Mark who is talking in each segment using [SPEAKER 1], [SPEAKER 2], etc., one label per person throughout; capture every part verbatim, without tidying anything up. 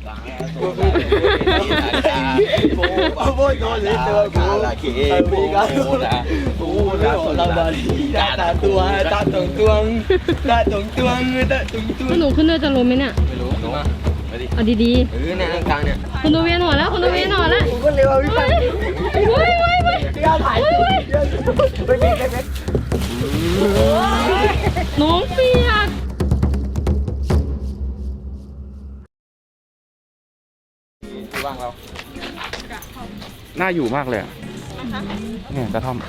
[SPEAKER 1] Voi con le tue cala che amica una la barriga ta tua ta tong tuang ta tong tuang ta tong tuang
[SPEAKER 2] หนูขึ้นด้วยจะล้มไหมเนี่ย
[SPEAKER 1] ไม่รู้มามาดิ
[SPEAKER 2] เอาดี
[SPEAKER 1] เออเนี่ยกลางเนี่ย
[SPEAKER 2] ๆคุณดูเวียนหัวแล้วคุณดูเวียนหัวแล้ว
[SPEAKER 1] กูก็เร็วพี่ไป
[SPEAKER 2] เฮ้ยเฮ้ยเฮ้ย
[SPEAKER 1] พี่ถ่ายไปไปไปไป
[SPEAKER 2] น้องเปียก
[SPEAKER 1] ที่ว่างเรา
[SPEAKER 3] น่าอยู่มากเลยเนี่ยกระท่อม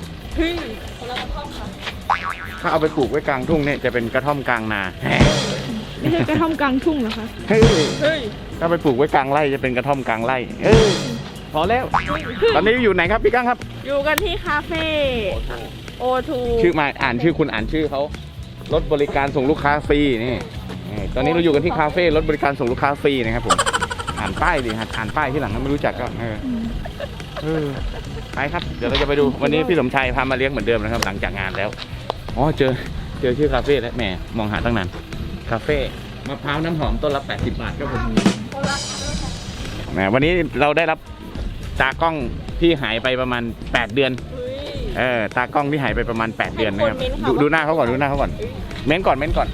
[SPEAKER 3] ถ้าเอาไปปลูกไว้กลางทุ่งเนี่ยจะเป็นกระท่อมกลางนา
[SPEAKER 2] ไม่ใช่กระท่อมกลางทุ่งเหรอคะ
[SPEAKER 3] เฮ้ยถ้าไปปลูกไว้กลางไร่จะเป็นกระท่อมกลางไร่เออพอแล้ว ตอนนี้อยู่ไหนครับพี่กั้งครับ
[SPEAKER 4] อยู่กันที่คาเฟ่โอทู
[SPEAKER 3] ชื่อมาอ่านชื่อคุณอ่านชื่อเขารถบริการส่งลูกค้าฟรีนี่นี่ตอนนี้เราอยู่กันที่คาเฟ่รถบริการส่งลูกค้าฟรีนะครับผมอ่านป้ายดิอ่านป้ายที่หลังถ้าไม่รู้จักก็เออเออไปครับเดี๋ยวเราจะไปดูวันนี้พี่สมชายพามาเลี้ยงเหมือนเดิมนะครับหลังจากงานแล้วอ๋อเจอเจอชื่อคาเฟ่แล้วแหมมองหาตั้งนานคาเฟ่มะพร้าวน้ำหอมต้นละแปดสิบบาทครับผมแหมวันนี้เราได้รับตากล้องที่หายไปประมาณแปดเดือนเออตากล้องที่หายไปประมาณแปดเดือนนะครับดูดูหน้าเขาก่อนดูหน้าเขาก่อนเม้นก่อนเม้นก่อน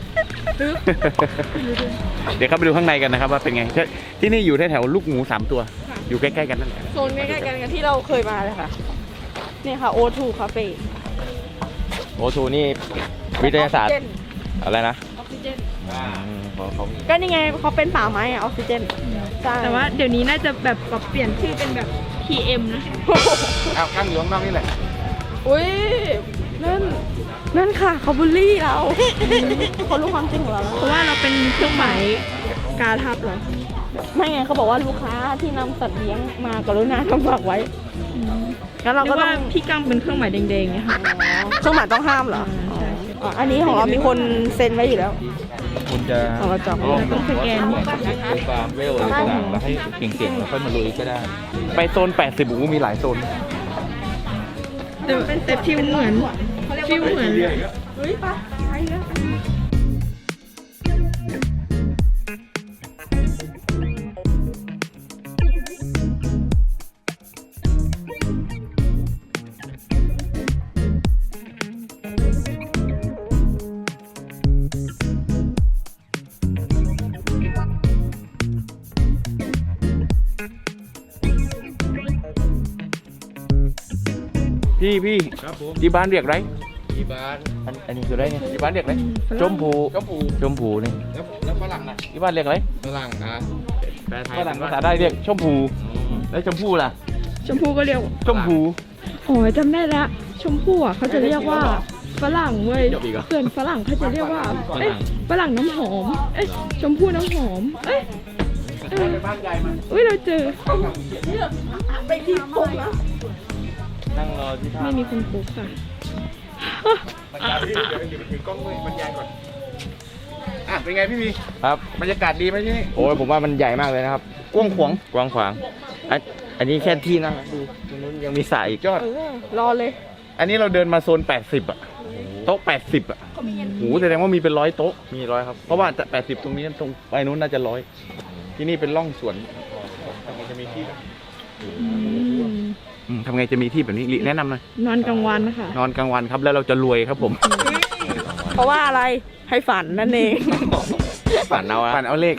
[SPEAKER 3] เดี๋ยวเข้าไปดูข้างในกันนะครับว่าเป็นไงที่นี่อยู่แถวๆลูกหมูสามตัวอยู่ใกล้ๆกันนั่นแหละ
[SPEAKER 4] โซนใกล้ๆกันกับที่เราเคยมาเลยค่ะนี่ค่ะโอทูคาเฟ่
[SPEAKER 1] โอทูนี่วิทยาศาสตร์อะไรนะ
[SPEAKER 4] ออกซิเจน
[SPEAKER 1] เขา
[SPEAKER 4] ก็นี่ไงเขาเป็นป่าไม้อะออกซิเจนใช่
[SPEAKER 2] แต่ว่าเดี๋ยวนี้น่าจะแบบปรับเปลี่ยนชื่อเป็นแบบ พี เอ็ม นะ
[SPEAKER 3] เอากั้งอยู่ข้างนอกนี่แหละ
[SPEAKER 4] อุ้ยนั่นนั่นค่ะเขาบูลลี่เราเขารู้ความจริงของเราแล้ว
[SPEAKER 2] เพราะว่าเราเป็นเครื่องหมายกาทับเหรอ
[SPEAKER 4] ไม่ไงเขาบอกว่าลูกค้าที่นำสัตว์เลี้ยงมากรุณาทำฝากไว้งั้นเรา
[SPEAKER 2] เรีย
[SPEAKER 4] ก็
[SPEAKER 2] ก
[SPEAKER 4] ต้
[SPEAKER 2] ว่า
[SPEAKER 4] อง
[SPEAKER 2] พี่กังเป็นเครื่องหมายแดงๆเนี่ยค่ะ
[SPEAKER 4] เครื่องหมายต้องห้ามเหรอ
[SPEAKER 2] ใช่
[SPEAKER 4] อ๋ออันนี้ของเรามีคนเซ็นไว้อยู่แล้ว
[SPEAKER 1] คุณจะ
[SPEAKER 4] ของเราจอง
[SPEAKER 2] เราต้องสแกน
[SPEAKER 1] ดูฟาร์มเวลอะไรต่างๆแล้วให้เก่งๆแล้วค่อยมาลุยก็ได้
[SPEAKER 3] ไปโซนแปดสิบโอ้โหมีหลายโซน
[SPEAKER 2] แต่แต่ฟิวเหมือนฟิวเหมือน
[SPEAKER 4] เฮ้ยปะไปเยอะ
[SPEAKER 3] พี่พี่
[SPEAKER 1] ครับผม
[SPEAKER 3] ที่บ้านเรียกไร
[SPEAKER 1] ที่บ้านอันอันนี้คืออะไรเนี่ย
[SPEAKER 3] ที่บ้านเรียกไรชมพู
[SPEAKER 1] ชมพู
[SPEAKER 3] ชมพูนี่
[SPEAKER 1] แล้วแล้วฝรั่งนะ
[SPEAKER 3] ที่บ้านเรียกไร
[SPEAKER 1] ฝรั่งนะแปลไทย
[SPEAKER 3] ฝรั่งภาษาได้เรียกชมพูแล้วชมพูล่ะ
[SPEAKER 2] ชมพู่ก็เรียก
[SPEAKER 3] ชมพู
[SPEAKER 2] โอ้ยจำได้แล้วชมพู่อ่ะเขาจะเรียกว่าฝรั่งเว้ย
[SPEAKER 3] จบอีกเหรอ
[SPEAKER 2] เพื่อนฝรั่งเขาจะเรียกว่าเอ้ยฝรั่งน้ำหอมเอ้ยชมพู่น้ำหอมเอ้ยเออ
[SPEAKER 3] บ้านใหญ่มา
[SPEAKER 2] อุ้ยเราเจอ
[SPEAKER 4] ไปที่ปุ๊บนะ
[SPEAKER 1] นั่งรอที่ท่า
[SPEAKER 2] ไม่มีคนปลุกค่ะ
[SPEAKER 3] บรรยายพี่เดี๋ยวเดี๋ยวถือกล้องมือบรรยายก่อนอ่ะเป็นไงพี่มี
[SPEAKER 1] ครับ
[SPEAKER 3] บรรยากาศดีไหมที่นี่
[SPEAKER 1] โอ้ยผมว่ามันใหญ่มากเลยนะครับ
[SPEAKER 3] กว้างขวาง
[SPEAKER 1] กว้างขวางอันอันนี้แค่ที่นั่งนะดูตรงนู้นยังมีสระอีก
[SPEAKER 3] ยอด
[SPEAKER 4] เออรอเลย
[SPEAKER 3] อันนี้เราเดินมาโซนแปดสิบอะโต๊ะแปดสิบอะโหแสดงว่ามีเป็นร้อยโต๊ะ
[SPEAKER 1] มีร้อยครับ
[SPEAKER 3] เพราะว่าแปดสิบตรงนี้ตรงไปนู้นน่าจะร้อยที่นี่เป็นร่องสวนทำไงจะมีที่อืมทำไงจะมีที่แบบนี้ลิแนะนำหน่อย
[SPEAKER 2] นอนกลางวันค่ะ
[SPEAKER 3] นอนกลางวันครับแล้วเราจะรวยครับผม
[SPEAKER 4] เพราะว่าอะไรให้ฝันนั่นเอง
[SPEAKER 1] ฝันเอาอะ
[SPEAKER 3] ปั่นเอาเลข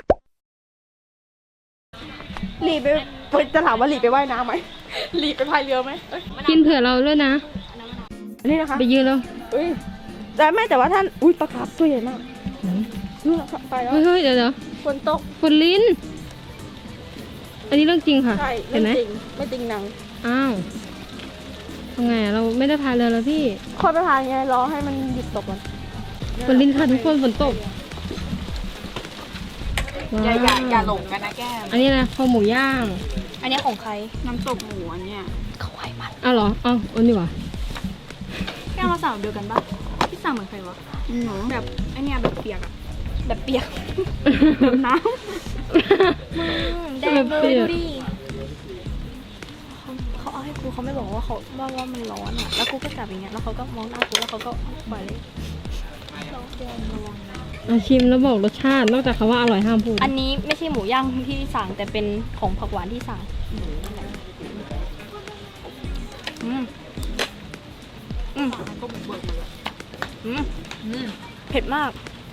[SPEAKER 4] หลีไปจะถามว่าหลีไปว่ายน้ำไหมหลีไปพายเรือไหมเอ้ย
[SPEAKER 2] กินเผื่อเราด้วยนะ
[SPEAKER 4] อันนี้นะคะ
[SPEAKER 2] ไปยืนแล้ว
[SPEAKER 4] เอ้ยแต่ไม่แต่ว่าท่านอุ้ยปลาคาร์ฟตัวใหญ่มากนู่นนะคะไปแล้ว
[SPEAKER 2] เฮ้ยเฮ้ยเดี๋ยวเดี๋ยว
[SPEAKER 4] ฝนตก
[SPEAKER 2] ฝนลิ้น อันนี้เรื่องจริงค่ะ
[SPEAKER 4] ใช่
[SPEAKER 2] เห็
[SPEAKER 4] ไม่
[SPEAKER 2] นไหม
[SPEAKER 4] จริงไม่จริงหนัง
[SPEAKER 2] อ้าวทำไงอะเราไม่ได้พายเรือแล้วพี่
[SPEAKER 4] ค่อยไปพายไงรอให้มันหยุดตกก่อน
[SPEAKER 2] ฝนลิ้นค่ะทุกคนฝนตก
[SPEAKER 5] อย่าอย่าอย่าหล
[SPEAKER 2] ว้ว
[SPEAKER 5] งกันนะแก้ม
[SPEAKER 2] อันนี้อะไรคอหมูย่าง
[SPEAKER 5] อันนี้ของใคร น้ำตกหมูอันเนี้ย
[SPEAKER 2] อ้าวเหรออ้าวอันนี้วะ
[SPEAKER 5] แก้มมาสั่งเดียวกันปะพี่สั่งเหมือนใครวะหนูแบบไอเนี้ยแบบเปียกอะแบบเปียก แบบน้ำแดงเลยดูดิเขาเขาเอาให้กูเขาไม่บอกว่าเขาว่าว่ามันร้อนอะแล้วกูก็จับอย่างเงี้ยแล้วเขาก็มองหน้ากูแล้วเขาก็ปล่อยเลยเราควรระวังนะ
[SPEAKER 2] อาชิมแล้วบอกรสชาตินอกจากคำว่าอร่อยห้ามพูด
[SPEAKER 5] อันนี้ไม่ใช่หมูย่างที่สั่งแต่เป็นของผักหวานที่สั่งอืมอืมอืมเผ็ดมาก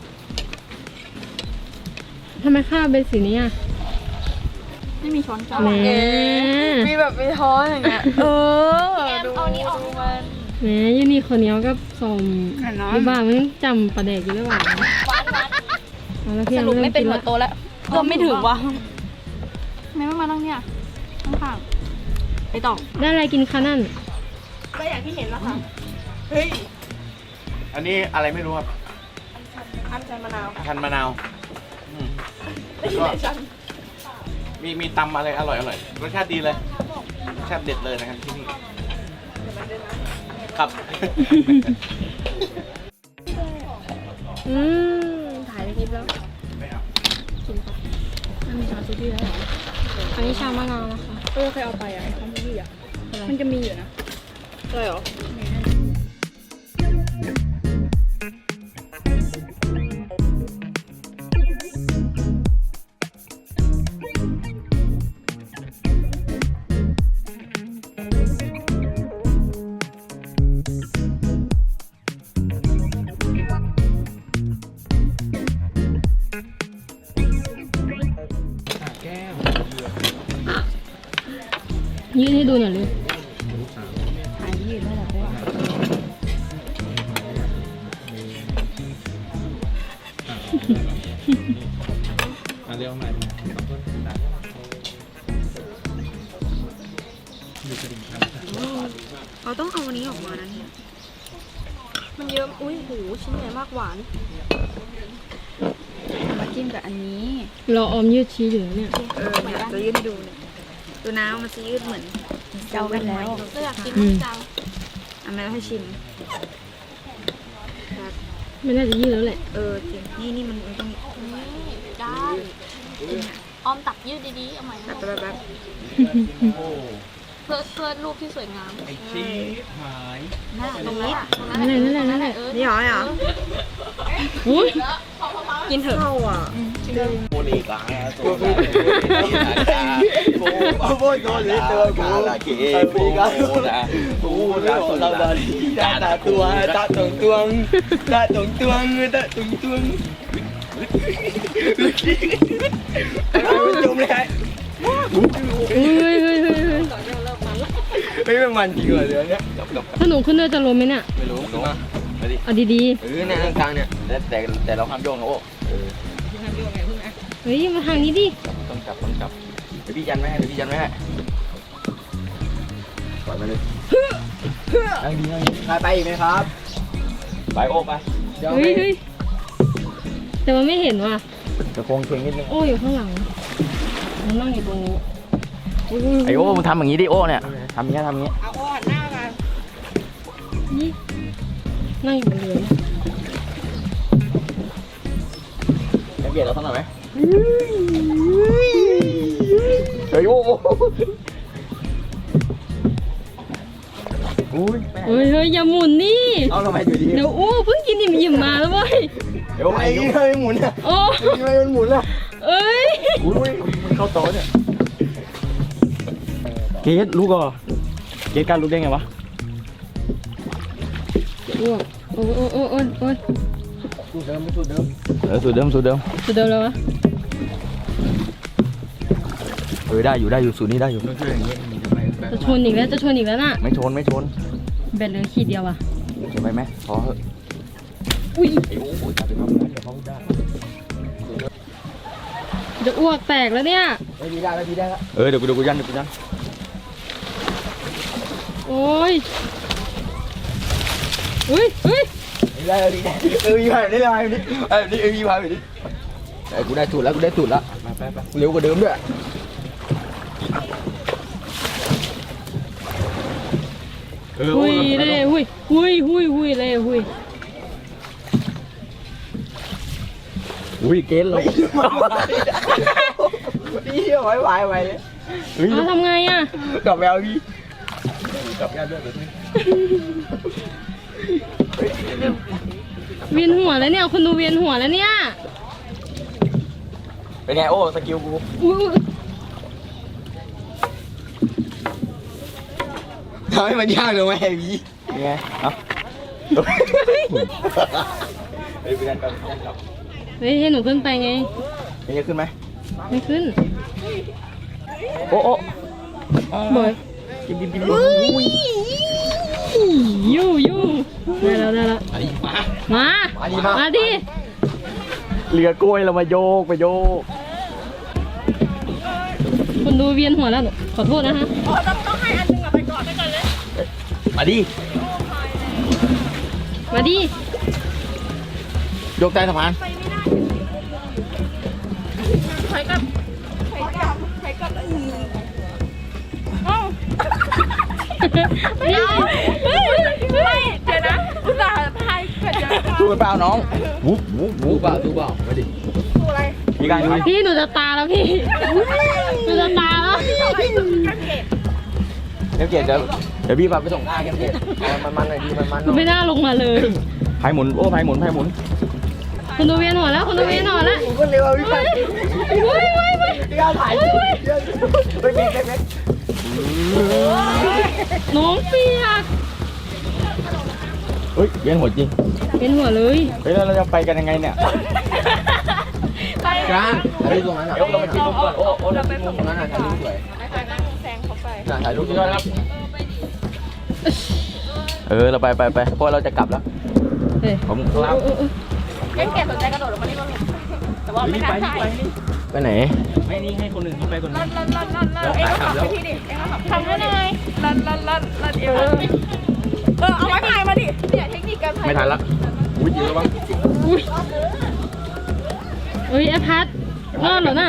[SPEAKER 2] ทำไมข้าวเป็นสีนี้อ่ะ
[SPEAKER 5] ไม่มีช้อนจาน
[SPEAKER 2] แหม
[SPEAKER 4] มีแบบมีท้อนอย่างเงี้ย เออ ดู
[SPEAKER 5] เอานี้ออก
[SPEAKER 4] ดูมัน
[SPEAKER 2] แหมยูนี่คนเหนี้ยวกับสมยี่บ้ามันจำประเด็กอยู่หรือเปล่า
[SPEAKER 5] หวานหวาน
[SPEAKER 2] เอาละพี่
[SPEAKER 5] สรุปไม่เป็นหัว
[SPEAKER 2] ริ่
[SPEAKER 5] โตแล้วเริ่มไม่ถึงว่ะทำไมไม่มานั่งเนี่ยข้างๆไปต่อ
[SPEAKER 2] ได้อะไรกินคะนั่น
[SPEAKER 5] ก็อย่างที่เห็นแล้วค่ะ
[SPEAKER 3] อันนี้อะไรไม่รู้ครับ
[SPEAKER 4] อันชันมะนาว
[SPEAKER 3] พันมะนาวอืมก็มีมีตำอะไรอร่อยอร่อยรสชาติดีเลยรสชาติเด็ดเลยนะครับที่นี่ครับ
[SPEAKER 2] อืมถ่ายคลิปแล้วอันนี้ชาซูดี้แล้วเหรออันนี้ชามะนาวนะคะ
[SPEAKER 5] เออเคยเอาไปอ่ะคอมมิลี่อ่ะมันจะมีอยู่นะ
[SPEAKER 4] เลยเหรอ
[SPEAKER 2] ยืดให้ดูหน่อยเลย
[SPEAKER 3] เรียกใหม่
[SPEAKER 4] เราต้องเอาอันนี้ออกมานะเนี่ย
[SPEAKER 5] มันเยอะ อุ้ยหูชิ้นใหญ่มากหวาน
[SPEAKER 4] มาจิ้มกับอันนี้
[SPEAKER 2] รอออมยืดชี้อยู่นะเนี่ย
[SPEAKER 4] เออเนี่ยจะยืดให้ดูเนี่ยดูน้ำมันจะยืดเหมือนเจ้ากันแล้ว
[SPEAKER 5] เราอยากกิน
[SPEAKER 2] อืม
[SPEAKER 5] จัง
[SPEAKER 4] อันนั้นให้ชิม
[SPEAKER 2] ไม่น่าจะยืดแล้วแหละ
[SPEAKER 4] เออจริงนี่นี่มันมันต้อง
[SPEAKER 5] ได้ออมตักยืดดีๆ เอาใหม่
[SPEAKER 4] แบบแบบแบบ
[SPEAKER 5] เพื่อเพื่อรูปที่สวยงาม
[SPEAKER 3] ไอ้ชี้หาย
[SPEAKER 4] หน้า
[SPEAKER 5] ตรง
[SPEAKER 4] นี้
[SPEAKER 5] นั้นอะตรงนั้น
[SPEAKER 2] นั่นแหละนั่นแหละนั่นแหละ
[SPEAKER 5] เออ
[SPEAKER 4] นี่เหรอเนี่ยเหรอ
[SPEAKER 2] อุ้ย
[SPEAKER 5] กินเถอะ
[SPEAKER 4] เข้าอ่ะ
[SPEAKER 3] โมลีกาโซดา
[SPEAKER 1] โอ้โหโดนเลยตัวกูมีการกูไม่บอกเราบาลีตาตาตัวตาตรงตวงตาตรงตวงตาตรงตวงจมเลย
[SPEAKER 2] เฮ้ยเฮ้ยเฮ้ยเฮ้ย
[SPEAKER 1] ไม่เป็นมันจริงเหรอเดี๋ยวนี้
[SPEAKER 2] ถ้าหนูขึ้นด้วยจะล้มไหมเนี่ย
[SPEAKER 1] ไม่รู้มา
[SPEAKER 3] มาดิ
[SPEAKER 2] เอาดี
[SPEAKER 1] เออเนี่ยกลางเนี่ย
[SPEAKER 3] แต่แต่แต่เราห้ามโยงนะโอ้
[SPEAKER 2] ๆ เฮ้ยมาทางนี้ดิ
[SPEAKER 3] ต้องจับต้องจับเดี๋ยวพี่ยันไม่ให้เดี๋ยวพี่ยันไม่ให้ปล่อยมาเลยนั่งดีนั่งดี
[SPEAKER 1] ใครไปอีกไหมครับ
[SPEAKER 3] ไปโอ้ไป
[SPEAKER 1] เดี๋ยว
[SPEAKER 2] เฮ้ยเฮ้ยแต่มันไม่เห็นว่ะ
[SPEAKER 3] จะโค้งเคงนิดนึง
[SPEAKER 2] โอ้อยู่ข้างหลังมันนั่งอยู่ตรงนี้
[SPEAKER 3] ไอโอ้มึงทำอย่างนี้ดิโอ้เนี่ยทำอย่างนี้ทำอย่างนี้
[SPEAKER 2] นี่นั่งอยู่บนเรือเนี่ย
[SPEAKER 3] จะเบียดเราสักหน่อยไหมเฮ้ยโอ้อุ้ย
[SPEAKER 2] เฮ้ยเฮ้ยอย่าหมุนนี่
[SPEAKER 3] เอาทำไมอยู่ดี
[SPEAKER 2] เดี๋ยวอู้เพิ่งกินอิ่มอิ่มๆมาแล้วเว้ย
[SPEAKER 3] เดี๋ยว
[SPEAKER 1] ไอ้
[SPEAKER 3] ไอ้
[SPEAKER 1] ยี่ห้อหมุนเนี่ย
[SPEAKER 2] โอ้
[SPEAKER 1] ทำไมมันหมุนล่ะ
[SPEAKER 2] เอ้ย
[SPEAKER 3] อุ้ยมันเข้าโต๊ะเนี่ยเกดรู้ก่อเกดการรู้ได้ไงวะ
[SPEAKER 2] อ้วกโอ้โอ้โอ้โอ้โอ้ย
[SPEAKER 1] สูตรเดิมไม่สูตรเดิม
[SPEAKER 3] เออสูตรเดิมสูตรเดิม
[SPEAKER 2] สุดเดิมแล้ววะ
[SPEAKER 3] เออได้อยู่ได้อยู่สูตรนี้ได้อยู่
[SPEAKER 2] จะชนอีกแล้วจะชนอีกแล้วน่ะ
[SPEAKER 3] ไม่ชนไม่ชน
[SPEAKER 2] แบตเหลือขีดเดียวว่ะ
[SPEAKER 3] ชนไปไหมพอเหอะ
[SPEAKER 2] อุ้ย
[SPEAKER 3] ไอ้โอ้โหจับไปทำนะเดี๋ยวเขาได้
[SPEAKER 2] จะอ้วกแตกแล้วเนี่ย
[SPEAKER 1] ไม่ดีได้ไม่ดีได้ละ
[SPEAKER 3] เออเดี๋ยวกูเดี๋ยวกูยันเดี๋ยวกูยัน
[SPEAKER 2] โอ้ยอุ้ยอุ้ย
[SPEAKER 1] ไม่ได้ดีได้เออมีพายได้พายดิเออนี่เออมีพายดิไอ้กูได้สูตรแล้วกูได้สูตรแล้วเร็วกว่าเดิมด้วย
[SPEAKER 3] เออ
[SPEAKER 2] หุยเล่หุยหุยหุยหุยเล่หุย
[SPEAKER 3] อุ้ยเกณฑ์เรา
[SPEAKER 1] พี่ไว้ไว้ไว้เลย
[SPEAKER 2] เอาทำไงอ่ะ
[SPEAKER 1] กลับแมวพี่กลับแมวด้วยเดี๋ยวนี้
[SPEAKER 2] เวียนหัวแล้วเนี่ยคนดูเวียนหัวแล้วเนี่ย
[SPEAKER 1] เป็นไงโอ้สกิลกู
[SPEAKER 2] อุ้ย
[SPEAKER 1] ทำให้มันยากเลยไหมไอ้พี่ยังไงเอ้าเฮ้ยไปกันกันกันกับ
[SPEAKER 2] เฮ้ยให้หนูขึ้นไปไง
[SPEAKER 1] ยังจะขึ้นไหม
[SPEAKER 2] ไม่ขึ้น
[SPEAKER 1] โอ้โอ้
[SPEAKER 2] บอย
[SPEAKER 1] กินกินกิน
[SPEAKER 2] ยูยูได้แล้วได้แล้ว
[SPEAKER 1] มา
[SPEAKER 2] มา
[SPEAKER 1] มาดิมา
[SPEAKER 2] มาดิ
[SPEAKER 1] เรือกล้วยเรามาโยกไปโยก
[SPEAKER 2] คนดูเวียนหัวแล้วหนูขอโทษนะฮะ
[SPEAKER 1] มาดิ
[SPEAKER 2] มาดิ
[SPEAKER 1] โยกใต้สะพาน
[SPEAKER 2] เดี๋ยว
[SPEAKER 4] ไม่เดี๋ยวนะอุตส่าห์พายเกิดเดี๋ยว
[SPEAKER 1] สู้กันเปล่าน้องวุ้บวุ้บวุ้บเปล่าสู้เปล่ามาดิมีการ
[SPEAKER 2] พี่หนูจะตาแล้วพี่หนูจะตาแล้ว
[SPEAKER 1] เดี๋ยวเกียรติเดี๋ยวเดี๋ยวพี่พาไปส่งหน้าแกมเกียรติมันมันหน่อยดีมันมัน
[SPEAKER 2] หนูไม่น่าลงมาเลย
[SPEAKER 1] พายหมุนโอ้พายหมุนพายหมุน
[SPEAKER 2] คนดูเวียนหัวแล้วคนดูเวียนหัวแล้ว
[SPEAKER 1] ผมก็เร็วพี่พาย
[SPEAKER 2] เฮ้ยเฮ้ยเฮ้ย
[SPEAKER 1] พี่การถ่ายไปเบรกเบรกเบรก
[SPEAKER 2] น้องเปียก
[SPEAKER 1] เฮ้ยเวียนหัวจริง
[SPEAKER 2] เวียนหัวเลย
[SPEAKER 1] เฮ้ยแล้วเราจะไปกันยังไงเนี่ย
[SPEAKER 4] ไป
[SPEAKER 1] การถ่ายรูปตรงนั้นอ่ะเรามาจิ้มมุมก่อนโอ้โอ้เราไปมุมตรงนั้นอ่ะถ่ายรูปสวย
[SPEAKER 4] ไปนั่งแซงเขาไป
[SPEAKER 1] ถ่ายรูปด้วยครับเออเราไปไปไปเพราะเราจะกลับแล้ว
[SPEAKER 2] เฮ้ย
[SPEAKER 1] ผมครับ
[SPEAKER 4] เล่นเกมสนใจกระโดดลงมานี่บ้างแต่ว่าไม่น่าใช่
[SPEAKER 1] ไปไหน
[SPEAKER 3] ไม่นี่ให้คนอื่นเขาไปคน
[SPEAKER 4] ลั
[SPEAKER 3] นี้
[SPEAKER 4] นลันลันลันลันเอ็งก็ขับไปที่ดิเอ็งก็ขับทำได้เลยลันลันลันลันเออเออเอาไม้พายมาดิเนี่ยเทคนิคการพาย
[SPEAKER 1] ไม่ทันละอุ้ยเยอะบ้าง
[SPEAKER 2] อุ้ยอุ้ยไอพัดรอดเหรอน่ะ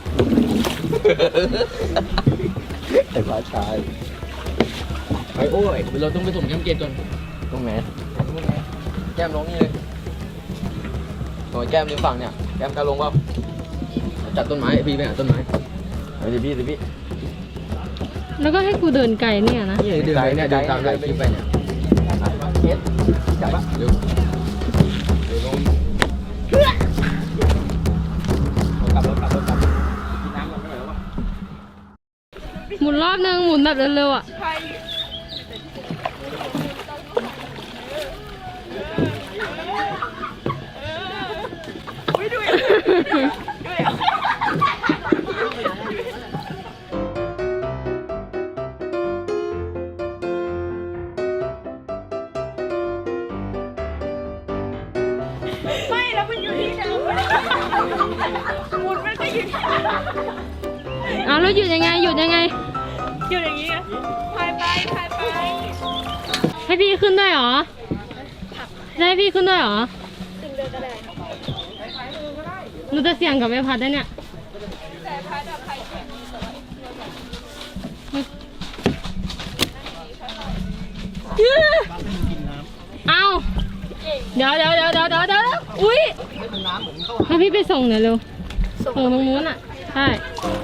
[SPEAKER 1] ไอ้ฟ้าชายไอ้โอ้ยเราต้องไปส่งแก้มเกตก่อนตรงไหนแก้มลงนี่เลยโอ้ยแก้มริมฝั่งเนี่ยแก้มกล้าลงเปล่าจัดต้นไม้พี่ไปหาต้นไม้เดี๋ยวพี่เดี๋ยวพี่
[SPEAKER 2] แล้วก็ให้กูเดินไกลเนี่ยนะ
[SPEAKER 1] นี่เดินเนี่ยเดินตามไล่คลิปไปเนี่ยเกตจับปะเร็วเดี๋ยวลงกลับรถกลับรถกลับกินน้ำก่อนไม่ไหวแล้ววะ
[SPEAKER 2] หมุนรอบนึงหมุนแบบเร็วๆอ่ะ
[SPEAKER 4] ไม่แล้วมันอยู่ที่เดิมหมุนมันก็อยู่ที่
[SPEAKER 2] เอาแล้วหยุดยังไงหยุดยังไง
[SPEAKER 4] อยู่อย่างนี้พายไปพายไป
[SPEAKER 2] ให้พี่ขึ้นด้วยเหรอจะให้พี่ขึ้นด้วยเหรอ
[SPEAKER 4] ถึงเดินก็ได้
[SPEAKER 2] หนูจะเสี่ยงกับไอพัดได้เนี่ย
[SPEAKER 4] แต่พายแบบพายแข็ง
[SPEAKER 2] เอาเดี๋ยวเดี๋ยวเดี๋ยวเดี๋ยวเดี๋ยวเดี๋ยวอุ้ยให้พี่ไปส่งหน่อยเร็วส่งตรงนู้นอ่ะใช่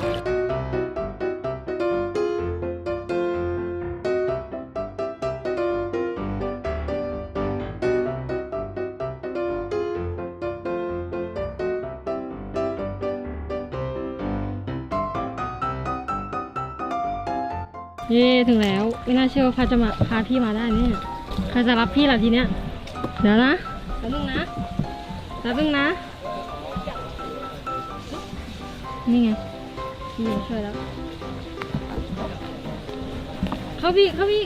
[SPEAKER 2] เย่ถึงแล้วไม่น่าเชื่อว่าพาจะมาพาพี่มาได้เนี่ยใครจะรับพี่ล่ะทีเนี้ยเดี๋ยวนะแป๊บนึงนะแป๊บนึงนะนี่ไงพี่ช่วยแล้วเข้าพี่เข้าพี่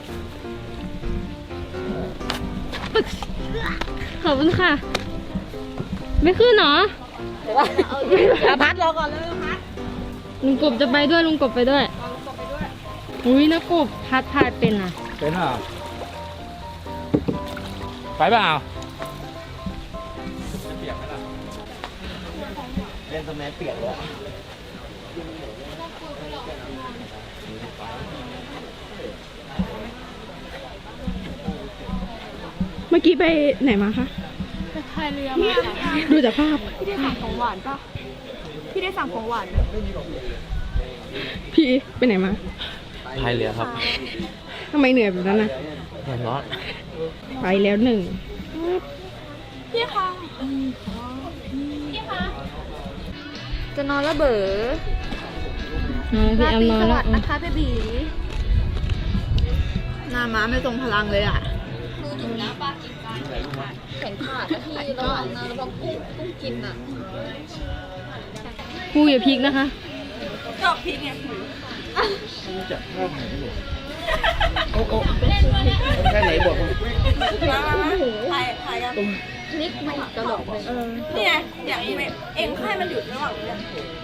[SPEAKER 2] ปึ๊กขอบคุณค่ะไม่ขึ้นเหรอ
[SPEAKER 4] พัดรอก่อนเลยพัด
[SPEAKER 2] ลุงกบจะไปด้วยลุงกบไปด้วยอุ้ยนะกบพัดพายเป็นอ่ะ
[SPEAKER 3] เป็นเปล่าไปเปล่า
[SPEAKER 1] เล่นสมัยเปียกเลย
[SPEAKER 4] เมื่อกี้ไปไหนมาคะ
[SPEAKER 5] พายเรือมา
[SPEAKER 4] ดูจากภาพ
[SPEAKER 5] พี่ได้สั่งของหวานป่ะพี่ได้สั่งของหวานไหม
[SPEAKER 4] พี่ไปไหนมา
[SPEAKER 1] พายเรือครับ
[SPEAKER 4] ทำไมเหนื่อยแบบนั้นนะ
[SPEAKER 1] แดดร้อน
[SPEAKER 4] ไปแล้วหนึ่งพี่คะ
[SPEAKER 5] จะนอนแล้วเบ๋อน
[SPEAKER 2] อนพี่แอมนอนแล้ว
[SPEAKER 5] นะคะเบบี
[SPEAKER 4] หน้าม้าไม่ทรงพลังเลยอ่ะ
[SPEAKER 5] แขนขาดนะพี่ระหว่างนอนระหว่างกุ้งกุ้งกินอ่ะ
[SPEAKER 2] ครูอย่าพลิกนะคะ
[SPEAKER 4] ชอบพริกไง
[SPEAKER 3] แค่ไหนบอก
[SPEAKER 4] มาถ่ายถ่ายกัน
[SPEAKER 5] นิกไม่ตลกเลย
[SPEAKER 4] นี่ไงอย่างนี้เองให้มันหยุดระหว่างเรื่อง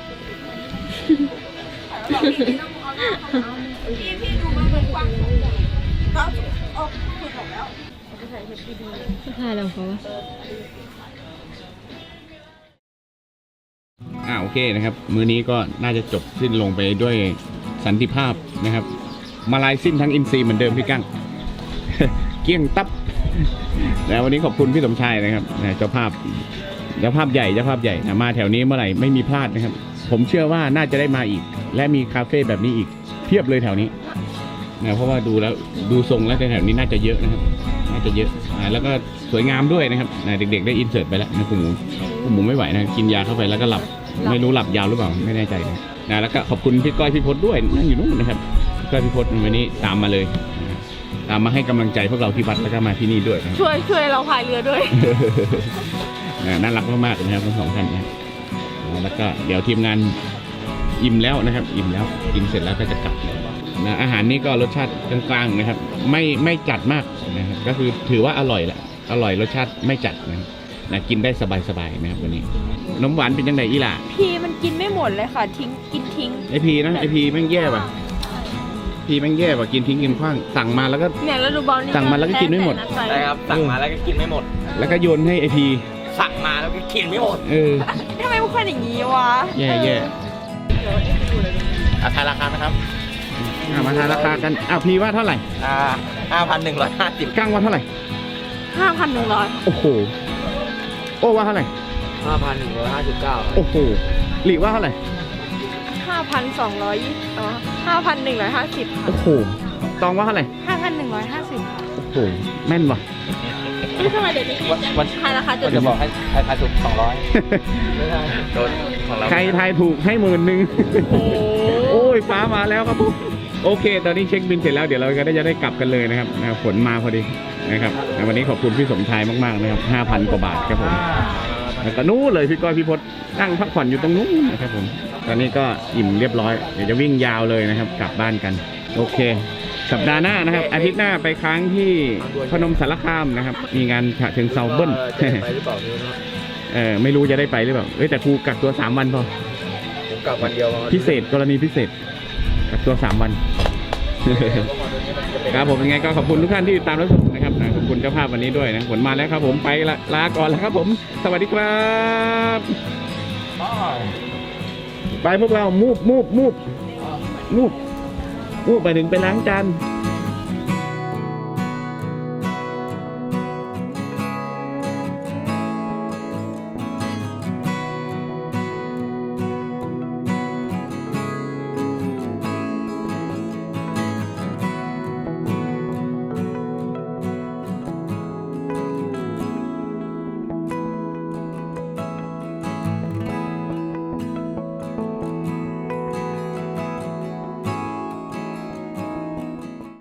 [SPEAKER 4] พี่พี่ดูมันเป็นกว้างเขาออกสุดออกแล้ว
[SPEAKER 2] ถ่ายแล้วเขาวะ
[SPEAKER 3] อ่าโอเคนะครับ มื้อนี้ก็น่าจะจบสิ้นลงไปด้วยสันติภาพนะครับมาลายสิ้นทั้งอินซีเหมือนเดิมพี่กั้ง เกี้ยงตับแล้ววันนี้ขอบคุณพี่สมชายนะครับนะเจ้าภาพเจ้าภาพใหญ่เจ้าภาพใหญ่นะมาแถวนี้เมื่อไหร่ไม่มีพลาดนะครับ ผมเชื่อว่าน่าจะได้มาอีก และมีคาเฟ่แบบนี้อีกเพียบเลยแถวนี้นะเพราะว่าดูแล้วดูทรงแล้วแถวนี้น่าจะเยอะนะครับน่าจะเยอะอ่าแล้วก็สวยงามด้วยนะครับนะเด็กๆได้อินเสิร์ตไปแล้วนะคุณหมูคุณหมูไม่ไหวนะกินยาเข้าไปแล้วก็หลับไม่รู้หลับยาวหรือเปล่าไม่แน่ใจนะนะแล้วก็ขอบคุณพี่ก้อยพี่พจน์ด้วยนั่งอยู่นู่นนะครับพี่ก้อยพี่พจน์วันนี้ตามมาเลยนะตามมาให้กำลังใจพวกเราที่วัดแล้วก็มาที่นี่ด้วยนะครับ
[SPEAKER 4] ช่วยช่วยเราพายเรือด้วย
[SPEAKER 3] นะน่ารักมากๆนะครับทั้งสองท่านนะครับแล้วก็เดี๋ยวทีมงานอิ่มแล้วนะครับอิ่มแล้วกินเสร็จแล้วก็จะกลับนะอาหารนี้ก็รสชาติกลางๆนะครับไม่ไม่จัดมากนะครับก็คือถือว่าอร่อยแหละอร่อยรสชาติไม่จัดนะครับนะกินได้สบายๆนะครับวันนี้นมหวานเป็นยังไงอีหล่ะ
[SPEAKER 4] พี่มันกินไม่หมดเลยค่ะ ทิ้งกินทิ้ง
[SPEAKER 3] ไอพีนะไอพีแม่งแย่ป่ะพีแม่งแย่ป่ะกินทิ้งกินขว้างสั่งมาแล้วก็
[SPEAKER 4] เนี่ยแล้วดูบอลนี่
[SPEAKER 3] สั่งมาแล้วก็กินไม่หมด
[SPEAKER 4] ใช่
[SPEAKER 1] ใช่ครับสั่งมาแล้วก็กินไม่หมด
[SPEAKER 3] แล้วก็โยนให้ไอพี
[SPEAKER 1] สั่งมาแล้วก็กินไม่หมด
[SPEAKER 3] เออ
[SPEAKER 4] ทำไมพวกคนอย่างนี้วะ
[SPEAKER 3] แย่แย่
[SPEAKER 1] อาทายราคาไหมครับ
[SPEAKER 3] อ่ะมาทานราคากันอ้าวพีว่าเท่าไหร่
[SPEAKER 1] อ่าห้าพันหนึ่งร้อยห้าสิบ
[SPEAKER 3] กั้งว่าเท่าไหร่
[SPEAKER 4] ห้าพันหนึ่งร้อย
[SPEAKER 3] โอ้โหโอ้ว่าเท่าไหร่
[SPEAKER 1] ห้าพันหนึ่งร้อยห้าสิบเก้า
[SPEAKER 3] โอ้โหหลีว่าเท่าไหร่
[SPEAKER 4] ห้าพันสองร้อยอ๋อห้าพันหนึ่งร้อยห้าสิบค่ะ
[SPEAKER 3] โอ้โหตองว่าเท่าไหร่
[SPEAKER 4] ห้าพันหนึ่งร้อยห้าสิบค่ะ
[SPEAKER 3] โอ้โหแม่นว่ะ
[SPEAKER 4] นี่ทำไมเดี๋ยวนี้
[SPEAKER 1] วันวัน
[SPEAKER 4] ทายราคาจ
[SPEAKER 1] ก็
[SPEAKER 4] น
[SPEAKER 1] จะบอกให้ให้ทายถูกสองร้อยไม่ได้โดนของเรา
[SPEAKER 3] ใครทายถูกให้หมื่นหนึ่ง
[SPEAKER 4] โอ้
[SPEAKER 3] โอ้ยฟ้ามาแล้วครับผมโอเค ตอนนี้เช็คบินเสร็จแล้วเดี๋ยวเราก็ได้จะได้กลับกันเลยนะครับนะครับฝนมาพอดีนะครับวันนี้ขอบคุณพี่สมชายมากๆนะครับห้าพันกว่าบาทครับผมแล้วก็นู้นเลยพี่ก้อยพี่พศนั่งพักผ่อนอยู่ตรงนู้นนะครับผมตอนนี้ก็อิ่มเรียบร้อยเดี๋ยวจะวิ่งยาวเลยนะครับ กลับบ้านกันโอเค สัปดาห์หน้านะครับอาทิตย์หน้าไปค้างที่พนมสารคามนะครับมีงานฉะเชิงเซาเบิ้ล
[SPEAKER 1] จะได้ไปหรือเปล่าไม่รู้นะ
[SPEAKER 3] เออไม่รู้จะได้ไปหรือเปล่าเอ้ยแต่ครูกักตัวสามวันพอ
[SPEAKER 1] ผมกลับวันเดียว
[SPEAKER 3] พิเศษกรณีพิเศษกักตัวสามวัน ครับผมยังไงก็ขอบคุณทุกท่านที่ตามรับชมนะครับนะขอบคุณเจ้าภาพวันนี้ด้วยนะผลมาแล้วครับผมไปละลาก่อนแล้วครับผมสวัสดีครับไปพวกเรามูบมูบมูบมูบมูบไปถึงไปล้างจาน